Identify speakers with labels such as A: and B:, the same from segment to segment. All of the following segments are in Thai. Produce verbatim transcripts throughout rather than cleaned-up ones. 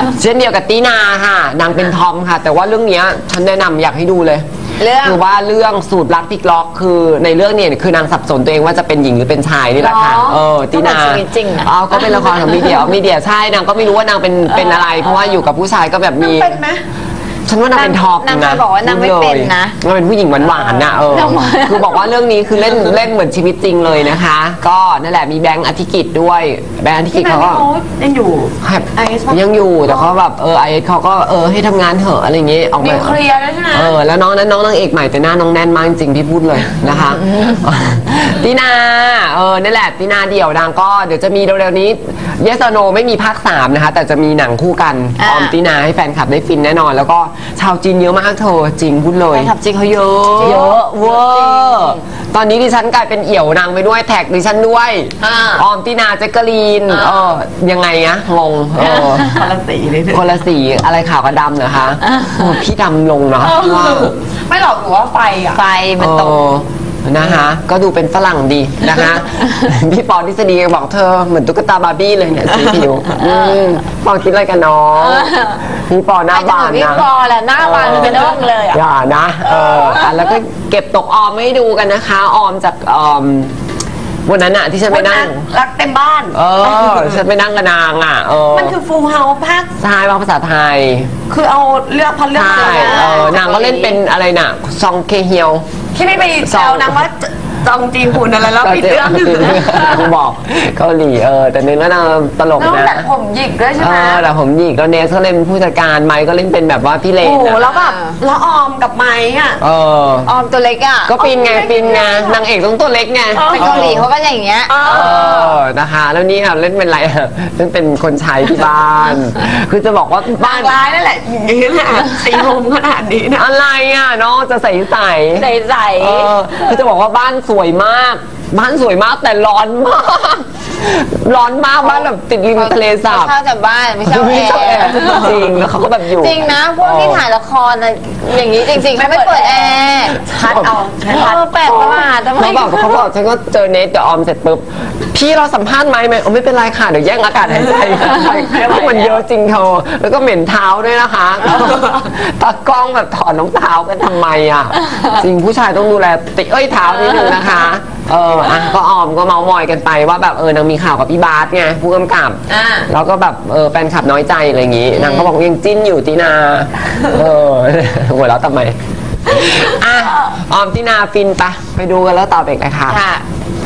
A: เช่นเดียวกับตีนาค่ะนางเป็นทอมค่ะแต่ว่าเรื่องนี้ฉันแนะนำอยากให้ดูเลย
B: เรื่อง
A: คือว่าเรื่องสูตรรักพลิกล็อกคือในเรื่องเนี่ยคือนางสับสนตัวเองว่าจะเป็นหญิงหรือเป็นชายนี่แหละค่ะเออตีนา
B: จริง
A: อ๋อก็เป็นละครของมีเดียมีเดียใช่นางก็ไม่รู้ว่านางเป็นเป็นอะไรเพราะว่าอยู่กับผู้ชายก็แบบมี
B: เป็นไหม
A: ฉันว่านางเป็นทอปนะ
B: นางบอกว่านางไม่เป็นนะ
A: นางเป็นผู้หญิงหวานๆนะเออคือบอกว่าเรื่องนี้คือเล่นเล่นเหมือนชีวิตจริงเลยนะคะก็นั่นแหละมีแบงค์อธิกิจด้วยแบงค์อธิกิจเขาก็
B: ยังอยู่
A: ยังอยู่แต่เขาแบบเออไอเอสเขาก็เออให้ทำงานเถอะอะไรอย่างเงี้ยออกมา
B: เคลียร์แล้วใช่ไหม
A: เออแล้วน้องนั้นน้องนางเอกใหม่แต่หน้าน้องแน่นมากจริงพี่พูดเลยนะคะตีนาเออนั่นแหละตีนาเดี่ยวนางก็เดี๋ยวจะมีเร็วๆนี้เยสโนไม่มีภาคสามนะคะแต่จะมีหนังคู่กันออมตีนาให้แฟนคลับได้ฟินแน่นอนแล้วก็ชาวจีนเยอะมากเธอจริงพูดเลย
B: แฟนคลับจีนเขาเยอะ
A: เยอะเวอร์ตอนนี้ดิฉันกลายเป็นเอี่ยวนางไปด้วยแท็กดิฉันด้วยออมตีนาแจ็คเกอรีนเออยังไงอะงงเออ
B: คนละสีเลย
A: คนละสีอะไรขาวกับดำเหรอคะพี่ดำลงเนาะว่า
B: ไม่หรอกหรือว่าไฟอะไฟมันตก
A: นะคะก็ดูเป็นฝรั่งดีนะคะพี่ปอทฤษฎีบอกเธอเหมือนตุ๊กตาบาร์บี้เลยเนี่ยสีผิวปอคิดอะไรกันน้องพี่ปอหน้าบานนะ
B: พี่ปอแหละหน้าบานเป็นเรื่องเลย
A: อย่านะเออแล้วก็เก็บตกออมให้ดูกันนะคะออมจากออมวันนั้นอะที่ฉันไปนั่ง
B: รักเต็มบ้าน
A: เออฉันไปนั่งกับนางอะเออ
B: มันคือฟูลเฮาส์ภาค
A: ใช่ภาษาไทย
B: คือเอาเลือกพันเลือก
A: ใช่เออนางก็เล่นเป็นอะไรน่ะซองเคเฮียว
B: ที่ไม่ไปแซวนางว่าจองจีหุ่นอะไรแล้วปิดเรื่องหนึ่ง
A: บอกเกาหลีเออแต่เน้นว่านางตลกนะ
B: แต่ผมหยิกด้วยใช่ไหม
A: เออแต่ผมหยิกแล้วเนสก็เล่นผู้จัดการไมค์ก็เล่นเป็นแบบว่าพี่เลน
B: โอ้แล้วแบบแล้วออมกับไมค์อ่ะ
A: เออ
B: ออมตัวเล็กอ่ะ
A: ก็ปีนไงปีนไงนางเอกต้องตัวเล็กไง
B: ไปเกาหลีเขาก็อย่างเงี้ย
A: เออนะคะแล้วนี่ค่ะเล่นเป็นอะไรเล่นเป็นคนใช้ที่บ้านคือจะบอกว่า
B: บ้านร้ายนั่นแหละอย่างนี้แหละตีลมขนาดนี้นะ
A: อะไรอ่ะน้องจะใส่ใส่
B: ใส่ใส่
A: คือจะบอกว่าบ้านสวยมากบ้านสวยมากแต่ร้อนมากร้อนมากบ้านแบบติดริมทะเลสาบ
B: เช่าแต่บ้านไม่เช่าแอร์
A: จริงแล้วเขาก็แบบอยู่
B: จริงนะพวกที่ถ่ายละครอะไรอย่างนี้จริงๆไม่เปิดแอร์พัดเอาพัดแปลกประหลาด
A: เขาบอกเขาบอกฉันก็เจอเนทกับออมเสร็จปุ๊บพี่เราสัมภาษณ์ไหมไหมไม่เป็นไรค่ะเดี๋ยวแย่งอากาศหายใจเพราะมันเยอะจริงเธอแล้วก็เหม็นเท้าด้วยนะคะตากล้องแบบถอดรองเท้ากันทำไมอ่ะจริงผู้ชายต้องดูแลติเอ้ยเท้านิดนึงนะคะเอออ่ะก็ออมก็เมามอยกันไปว่าแบบเออนางมีข่าวกับพี่บาสไงผู้กำกับแล้วก็แบบเออแฟนคลับน้อยใจอะไรอย่างงี้นางก็บอกยังจิ้นอยู่ตีนาเออหัวเราะทำไมอ่ะออมตีนาฟินปะไปดูกันแล้วต่อไปเลยค่ะค่ะ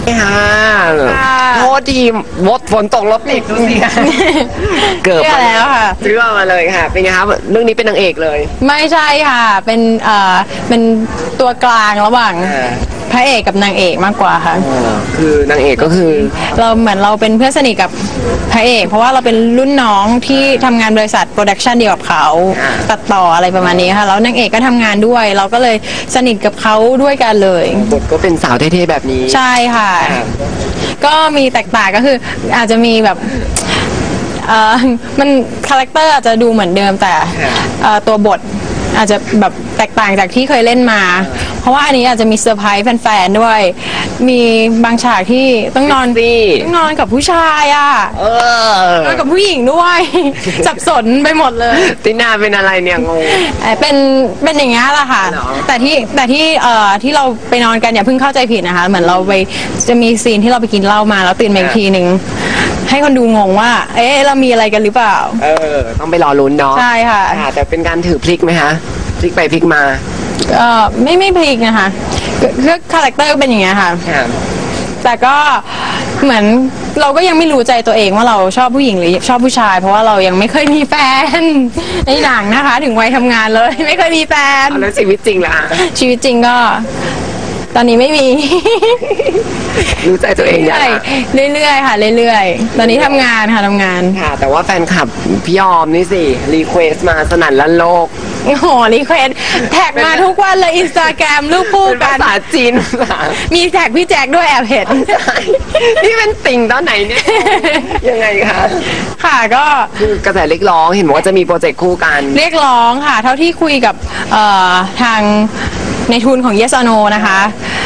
A: โทษทีมดฝนตกรถติดดูสิเกือบ
B: แล้วค่ะ
A: ซื้อมาเลยค่ะเป็นไงคะเรื่องนี้เป็นนางเอกเลย
C: ไม่ใช่ค่ะเป็นเอ่อเป็นตัวกลางระหว่างพระเอกกับนางเอกมากกว่าค่ะ
A: คือนางเอกก็คือ
C: เราเหมือนเราเป็นเพื่อนสนิทกับพระเอกเพราะว่าเราเป็นรุ่นน้องที่ทำงานบริษัทโปรดักชันเดียวกับเขาตัดต่ออะไรประมาณนี้ค่ะแล้วนางเอกก็ทำงานด้วยเราก็เลยสนิทกับเขาด้วยกันเลย
A: บทก็เป็นสาวเท่ๆแบบนี้
C: ใช่ค่ะก็มีแตกต่างก็คืออาจจะมีแบบเอ่อมันคาแรคเตอร์อาจจะดูเหมือนเดิมแต่ตัวบทอาจจะแบบแตกต่างจากที่เคยเล่นมาเพราะว่าอันนี้อาจจะมีเซอร์ไพรส์แฟนๆด้วยมีบางฉากที่ต้องนอนต้องนอนกับผู้ชายอ่ะนอนกับผู้หญิงด้วยสับสนไปหมดเลย
A: ตินาเป็นอะไรเนี่ยงง
C: เป็นเป็นอย่างงี้แหละค่ะแต่ที่แต่ที่เอ่อที่เราไปนอนกันอย่าเพิ่งเข้าใจผิดนะคะเหมือนเราไปจะมีซีนที่เราไปกินเหล้ามาแล้วตื่นมาอีกทีหนึ่งให้คนดูงงว่าเอ๊ะเรามีอะไรกันหรือเปล่า
A: เออต้องไปรอลุ้นเนาะ
C: ใช่ค่ะ
A: แต่เป็นการถือพลิกไหมคะพลิกไปพลิกมา
C: เออไม่ไม่พลิกนะคะคือคาแรคเตอร์เป็นอย่างเงี้ยค่ะแต่ก็เหมือนเราก็ยังไม่รู้ใจตัวเองว่าเราชอบผู้หญิงหรือชอบผู้ชายเพราะว่าเรายังไม่เคยมีแฟนในหนังนะคะถึงวัยทำงานเลยไม่เคยมีแฟน
A: แล้วชีวิตจริงล่ะ
C: ชีวิตจริงก็ตอนนี้ไม่มี
A: รู้ใจตัวเอง
C: อย่างเรื่อยๆค่ะเรื่อยๆตอนนี้ทำงานค่ะทำงาน
A: ค่ะแต่ว่าแฟนคลับพี่ยอมนี่สิรีเควสมาสนั่นลั่นโลก
C: โอ้โหรีเควสแท็กมาทุกวันเลยอินสตาแกรมรูปคู่กัน
A: ภาษาจีน
C: มีแท็กพี่แจ็คด้วยแอบเห็น
A: นี่เป็นติ่งตอนไหนเนี่ยยังไงคะ
C: ค่ะก็
A: คือกระแสเรียกร้องเห็นว่าจะมีโปรเจกต์คู่กัน
C: เรียกร้องค่ะเท่าที่คุยกับทางในทุนของ Yes or No นะคะ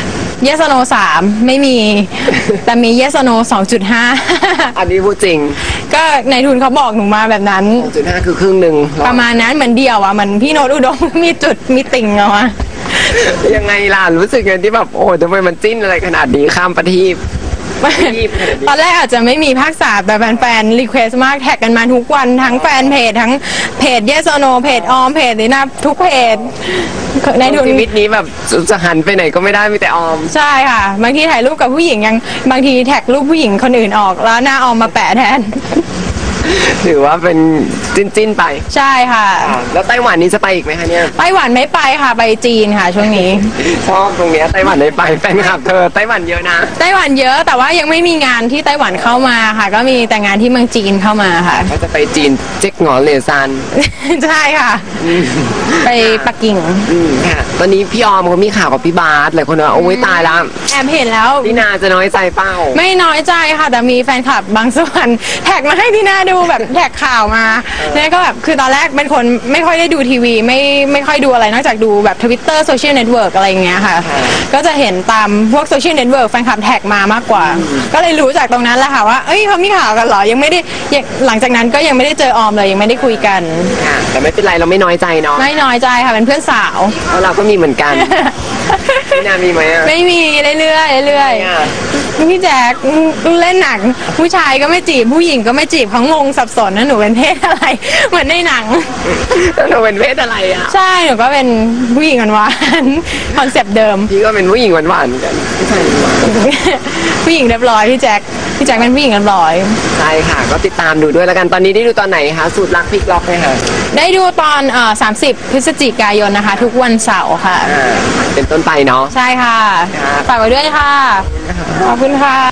C: Yes or No สามไม่มี แต่มี Yes or No สองจุดห้า
A: อันนี้พูดจริง
C: ก็ในทุนเขาบอกหนูมาแบบนั้น
A: สองจุดห้าคือครึ่งหนึ่ง
C: ประมาณนั้นเหมือนเดียวอ่ะเหมือนพี่โน้ตอุดม มีจุดมีติ่งเอาอะ
A: ยังไงล่ะรู้สึกไงที่แบบโอ้ทำไมมันจิ้นอะไรขนาดนี้ข้ามประทีป
C: ตอนแรกอาจจะไม่มีภาคสามแต่แฟนๆรีเควสต์มากแท็กกันมาทุกวันทั้งแฟนเพจทั้งเพจ Yes or No เพจออมเพจนี่นะทุกเพจในทุน
A: ชีวิตนี้แบบจะหันไปไหนก็ไม่ได้มีแต่ออม
C: ใช่ค่ะบางทีถ่ายรูปกับผู้หญิงยังบางทีแท็กรูปผู้หญิงคนอื่นออกแล้วหน้าออมมาแปะแทน
A: ถือว่าเป็นจิ้นจิ้นๆไป
C: ใช่ค่ะ
A: อ่าแล้วไต้หวันนี้จะไปอีกไหมคะเนี่ย
C: ไต้หวันไม่ไปค่ะไปจีนค่ะช่วงนี้
A: ชอบตรงเนี้ยไต้หวันได้ไปแฟนคลับเธอไต้หวันเยอะนะ
C: ไต้หวันเยอะแต่ว่ายังไม่มีงานที่ไต้หวันเข้ามาค่ะ ก็มีแต่งานที่เมืองจีนเข้ามาค่ะ
A: ก็จะไปจีนเจ๊กหงอเลซาน
C: ใช่ค่ะ ไปปักกิ่ง
A: อืมค่ะตอนนี้พี่ออมเขามีข่าวกับพี่บาสหลายคนว่าโอ้ยตายแล้ว
C: แอบเห็นแล้ว
A: พี่นาจะน้อยใจเป้า
C: ไม่น้อยใจค่ะ แต่มีแฟนคลับบางส่วนแท็กมาให้ที่หน้าดูแบบแท็กข่าวมาเนี่ยก็แบบคือตอนแรกเป็นคนไม่ค่อยได้ดูทีวีไม่ไม่ค่อยดูอะไรนอกจากดูแบบทวิตเตอร์โซเชียลเน็ตเวิร์กอะไรอย่างเงี้ยค่ะ ก็จะเห็นตามพวกโซเชียลเน็ตเวิร์กแฟนคลับแท็กมามากกว่า ก็เลยรู้จากตรงนั้นแหละค่ะว่าเอ้ยเขามีข่าวกันเหรอยังไม่ได้ยังหลังจากนั้นก็ยังไม่ได้เจอออมเลยยังไม่ได้คุยกัน
A: ค่ะแต่ไม่เป็นไรเราไม่น้อยใจเนาะ
C: ไม่น้อยใจค่ะเป็นเพื่อนสาว
A: เพราะเราก็มีเหมือนกัน พี่นามีไหมอ่ะ
C: ไม่มีเรื่อยๆเรื่อย
A: อ่ะ
C: ๆพี่แจ๊คเล่นหนังผู้ชายก็ไม่จีบผู้หญิงก็ไม่จีบเขางงสับสนนะหนูเป็นเพศอะไร เหมือนในหนัง
A: แล้วเราเป็นเพศอะไรอ่ะ
C: ใช่หนูก็เป็นผู้หญิงหวานๆคอนเซปต์เดิม
A: พี่ก็เป็นผู้หญิงหวานๆเหมือนกันผู้ชายหวาน
C: ผู้หญิงเรียบร้อยพี่แจ๊คพี่แจ๊คเป็นผู้หญิงเรียบร้อย
A: ใช่ค่ะ ก็ติดตามดูด้วยแล้วกันตอนนี้ได้ดูตอนไหนคะสูตรรักพลิกล็อกไหมคะ
C: ได้ดูตอนเอ่อสามสิบพฤศจิกายนนะคะ ทุกวันเสาร์ค่ะ
A: อ่าเป็นต้นไปเนาะ
C: ใช่ค่ะ
A: ครับ
C: ฝากไว้ด้วยค่ะ ขอบคุณค่ะ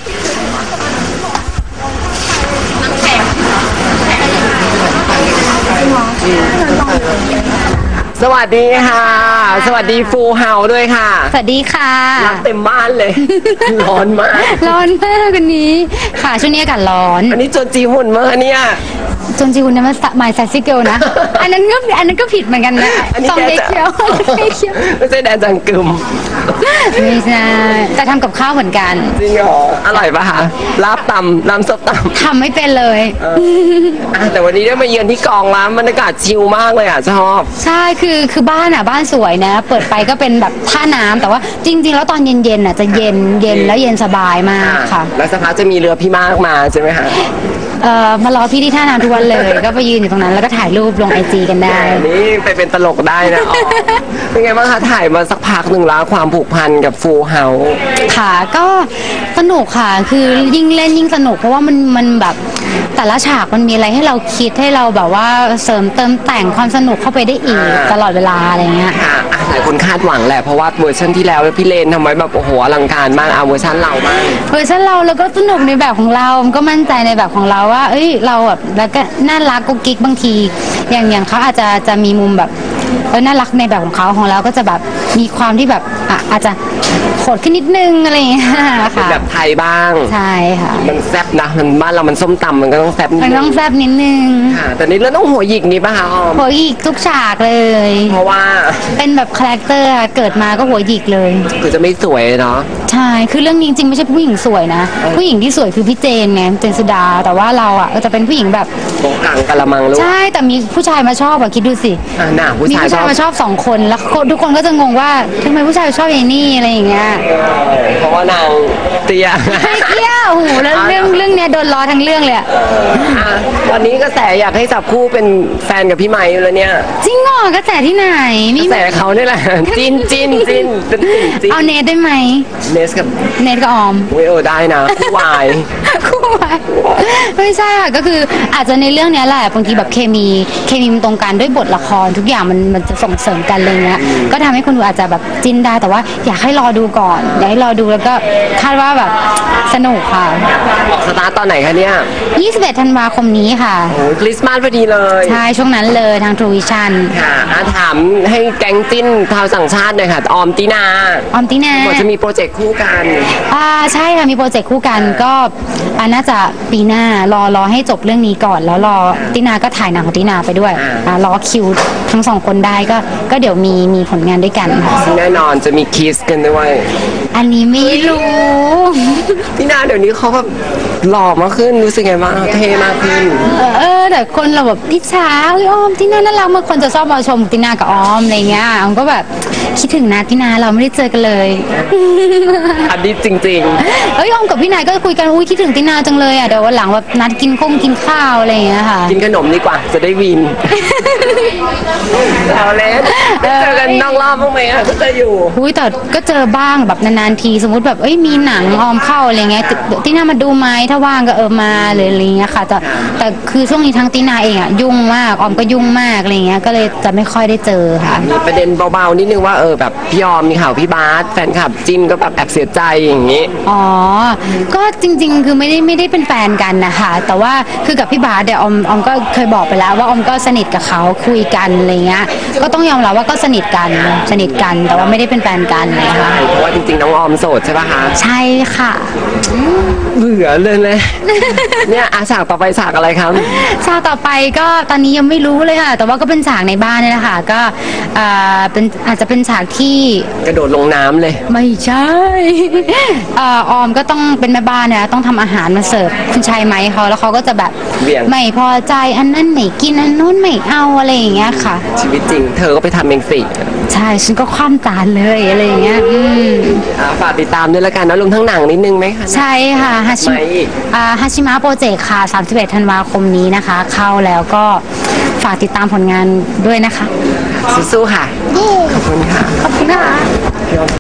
A: สวัสดีค่ะ สวัสดีฟูเฮาด้วยค่ะ
B: สวัสดีค่ะ
A: รักเต็มบ้านเลย ร้อนมาก
B: ร้อนมากวันนี้ค่ะช่วงนี้อากาศร้อน
A: อันนี้จนจีหุ่นมากเนี่ย
B: จนจีคุณเนี่ยมันหมายแซซี่เกิลนะ อันนั้นก็อันนั้นก็ผิดเหมือนกันนะ
A: อันนี้
B: ซองเด็ก
A: แกจะ
B: เคียวเด็กเคียว
A: ไม่ใช่แดนจังกึม
B: ไม่ใช่แต่ทำกับข้าวเหมือนกัน
A: จริงเหรออร่อยปะคะลาบตำน้ำซุปตำ
B: ทำไม่เป็นเลย
A: อ่ะแต่วันนี้ได้มาเยือนที่กองร้านบรรยากาศชิลมากเลยอ่ะชอบ
B: ใช่คือคือบ้านอ่ะบ้านสวยนะ เปิดไปก็เป็นแบบท่าน้ำแต่ว่าจริง ๆ แล้วตอนเย็นๆอ่ะจะเย็นเย็นแล้วเย็นสบายมากค่ะ
A: แล้วสักพักจะมีเรือพี่มากมาใช่ไหมคะ
B: เอ่อมารอพี่ที่ท่าน้ำทุกวันเลย ก็ไปยืนอยู่ตรงนั้นแล้วก็ถ่ายรูปลงไอจีกันได้
A: นี่ไปเป็นตลกได้นะอ๋อเป็นไงบ้างคะถ่ายมาสักพักหนึ่งแล้วความผูกพันกับฟูเฮา
B: ค่ะก็สนุกค่ะคือยิ่งเล่นยิ่งสนุกเพราะว่ามันมันแบบแต่ละฉากมันมีอะไรให้เราคิดให้เราแบบว่าเสริมเติมแต่งความสนุกเข้าไปได้อีกตลอดเวลาอะไรเงี้ย
A: ค่ะอ่ะหลายคนคาดหวังแหละเพราะว่าเวอร์ชันที่แล้วพี่เลนทำไว้แบบโอ้โหอลังการมากเอาเวอร์ชันเราบ้าง
B: เวอร์ชันเราแล้วก็สนุกในแบบของเรามันก็มั่นใจในแบบของเราว่าเอ้ยเราแบบแล้วก็น่ารักกุ๊กกิ๊กบางที อย่างอย่างเขาอาจจะจะมีมุมแบบเออน่ารักในแบบของเขาของเราก็จะแบบมีความที่แบบอ่ะอาจจะโหดขึ้นนิดนึงอะไรอย่างเงี้ย
A: เป็น
B: ค่ะ
A: แบบไทยบ้าง
B: ใช่ค่ะ
A: มันแซ่บนะมันบ้านเรามันส้มตำมันก็ต้องแซ่บนิด
B: มัน
A: นึ
B: ต้อง
A: ง
B: แซ่บนิดนึง
A: ค่ะแต่นี่เรื่องต้องหัวหยิกนี้ป่ะคะออม
B: หัวหยิกทุกฉากเลย
A: เพราะว่า
B: เป็นแบบคาแรคเตอร์อะเกิดมาก็หัวหยิกเลย
A: คือจะไม่สวยเนาะ
B: ใช่ คือเรื่องนี้จริงๆไม่ใช่ผู้หญิงสวยนะ ผู้หญิงที่สวยคือพี่เจนไงเจนสุดา แต่ว่าเราอ่ะก็จะเป็นผู้หญิงแบบ
A: โบกังกะละมังลูก
B: ใช่ แต่มีผู้ชายมาชอบอะคิดดูสิ
A: อ่ะหน้าผู้
B: มี
A: ชาย
B: ผู้
A: ช
B: ชา
A: อย บ
B: มาชอบสองคน แล้วคนทุกคนก็จะงงว่าทำไมผู้ชายชอบไอ้นี่อะไรอย่างเงี้ย
A: เพราะว่านางเตี้ย
B: ไม่เที่ยวโอ้โหแล้วเรื่องเรื่องเนี้ยโดนล้อทั้งเรื่องเลยอะ
A: อ่ะวันนี้กระแสอยากให้จับคู่เป็นแฟนกับพี่ไมค์อยู่แล้วเนี่ย
B: จริงเหรอกระแสที่ไหน
A: ก
B: ไม่
A: ระแสเขาเนี่ยแหละจินจินจินเป็นจินจิน
B: เอาเนทได้ไหม
A: เนสกับ
B: เนทกับออม
A: เวเออได้นะคู่วาย
B: คู่ไว้ไม่ใช่ค่ะก็คืออาจจะในเรื่องเนี้ยแหละบางทีแบบเคมีเคมีมันตรงกันด้วยบทละครทุกอย่างมันมันจะส่งเสริมกันเลยเงี้ยก็ทำให้คนดูอาจจะแบบจินได้แต่ว่าอยากให้รอดูก่อนอยากให้รอดูแล้วก็คาดว่าแบบสนุกค่ะ
A: ออกสตาร์ทตอนไหนคะเนี่ย
B: ยี่สิบเอ็ดธันวาคมนี้ค่ะ
A: โอ้ยคริสต์มาสพอดีเลย
B: ใช่ช่วงนั้นเลยทาง True Vision
A: ค่ะอ่ะถามให้แก๊งจิ้นชาวสังชาติหน่อยค่ะออมตินา
B: ออมตินา
A: บอกจะมีโปรเจกต์คู่กัน
B: อ่าใช่ค่ะมีโปรเจกต์คู่กันก็อ่าน่าจะปีหน้ารอรอให้จบเรื่องนี้ก่อน แล้วรอตินาก็ถ่ายหนังของตินาไปด้วยอ่ารอคิวทั้งสองคนได้ก็ก็เดี๋ยวมีมีผลงานด้วยกันค่ะ
A: ซึ่งแน่นอนจะมีคิสกันด้วย
B: อันนี้ไม่รู้
A: พี่นาเดี๋ยวนี้เขาแบบหล่อมากขึ้นรู้สึกไงบ้างเท่มากขึ้น
B: เออแต่คนเราแบบอิจฉาเอ้ยออมตินาน่ารักมากคนจะชอบมาชมตินากับออมอะไรเงี้ยออมก็แบบคิดถึงนะตินาเราไม่ได้เจอกันเลย
A: อันนี้จริง
B: เอ้ยออมกับพี่นายก็คุยกันอุ้ยคิดถึงตินาจังเลยอ่ะเดี๋ยววันหลังแบบนัดกินข้งกินข้าวอะไรอย่างเงี้ยค่ะ
A: ๆ กินขนมดีกว่าจะได้วินเอาเล่นได้เจอกันนอกรอบบ้างไหมอ่ะก็จะอยู่
B: อุ้ยแต่ก็เจอบ้างแบบนานๆทีสมมติแบบเอ้ยมีหนังออมเข้าอะไรเงี้ยติตินามาดูไหมถ้าว่างก็เออมาเลยอะไรเงี้ยค่ะแต่แต่คือช่วงนี้ทั้งตินาเองอ่ะยุ่งมากออมก็ยุ่งมากอะไรเงี้ยก็เลยจะไม่ค่อยได้เจอค่ะ
A: มีประเด็นเบาๆนิดนึงว่าเออแบบพี่ยอมมีข่าวพี่บาสแฟนคลับจิ้นก็แบบแอบเสียใจอย่างนี้
B: อ๋อ ก็จริงๆ คือไม่ได้ไม่ได้เป็นแฟนกันนะคะแต่ว่าคือกับพี่บาสเดี๋ยวออมออมก็เคยบอกไปแล้วว่าออมก็สนิทกับเขาคุยกันอะไรเงี้ยก็ต้องยอมรับว่าก็สนิทกันสนิทกันแต่ว่าไม่ได้เป็นแฟนกันนะคะ
A: เพราะว่าจริงๆน้องออมโสดใช่ปะคะ
B: ใช่ค่ะ
A: เบื่อเลยเลย เนี่ยอาฉากต่อไปฉากอะไรครับ
B: ฉากต่อไปก็ตอนนี้ยังไม่รู้เลยค่ะ แต่ว่าก็เป็นฉากในบ้านนี่แหละค่ะก็อ่าเป็นอาจจะเป็นฉากที่
A: กระโดดลงน้ำเลย
B: ไม่ใช่ เอ่อออมก็ต้องเป็นแม่บ้านเนี่ยต้องทำอาหารมาเสิร์ฟคุณชายไหมเขาแล้วเขาก็จะแบบ
A: เบี่ยง
B: ไม่พอใจอันนั้นไม่กินอันนู้นไม่เอาอะไรอย่างเงี้ยค่ะ
A: ชีวิตจริง เธอก็ไปทำเองสิ
B: ใช่ฉันก็คว่ำจานเลยอะไรอย่างเงี้ยอืม
A: อ่าฝากติดตามด้วยละกันนะรวมทั้งหนังนิดนึงไหมคะ
B: ใช่ค่ะฮาชิ
A: ไม่อีก
B: อ่าฮาชิมะโปรเจกต์ค่ะสามสิบเอ็ดธันวาคมนี้นะคะ เข้าแล้วก็ฝากติดตามผลงานด้วยนะคะ
A: สู้ๆค่ะ ขอบคุณค่ะ
B: ขอบคุณค่ะ